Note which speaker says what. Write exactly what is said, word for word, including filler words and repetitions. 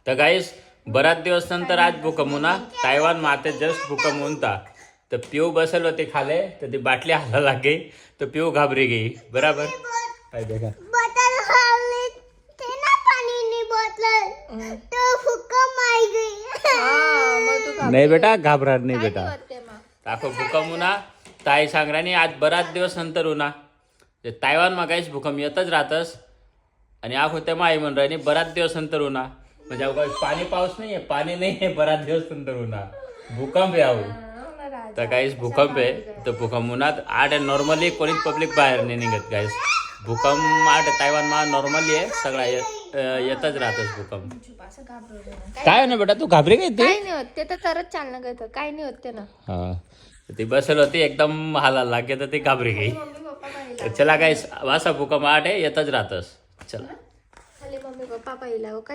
Speaker 1: तर गाईस बराच दिवस नंतर आज भूकंप होना तायवान माते जस्ट भूकंप होता तर पिऊ बसल होते खाले तर ती बाटली हाला लाग गई तो पिऊ घाबरी गई बराबर काय देखा
Speaker 2: बोतल खाली थे ना पानी नहीं बोतल तो भूकंप आई गई
Speaker 3: हा मग तू
Speaker 1: नाही बेटा घाबरा नाही बेटा
Speaker 3: वाटते मग
Speaker 1: दाखव भूकंप होना ताई सांगरानी आज बराच दिवस नंतर होना ते तायवान मा काहीच भूकंप येतच राहतस आणि आखो त्या माई म्हण राहिनी बराच दिवस नंतर होना म्हणजे अवघा पाणी पाऊस नाही आहे पाणी नाही आहे बराच दिवस नंतर होना भूकंप आहे आहो तर काहीच भूकंप आहे तर भूकंप उन्हात आठ नॉर्मली कोणीच पब्लिक बाहेर नाही निघत काहीच भूकंप आठ तायवान मा नॉर्मली आहे सगळा येतच राहतच भूकंप काय ना बेटा तू घाबरी काय ते
Speaker 3: काय नाही होत ते तर तरच चालणं करतं काय नाही होत ते ना
Speaker 1: हा ती बसल होती एकदम हाला लागे तर ती घाबरी गई
Speaker 3: मम्मी पप्पा पाहिला
Speaker 1: चला काय वासा भूकंप आठ आहे येतच राहतस चला
Speaker 3: खाली मम्मी पप्पा पाहिला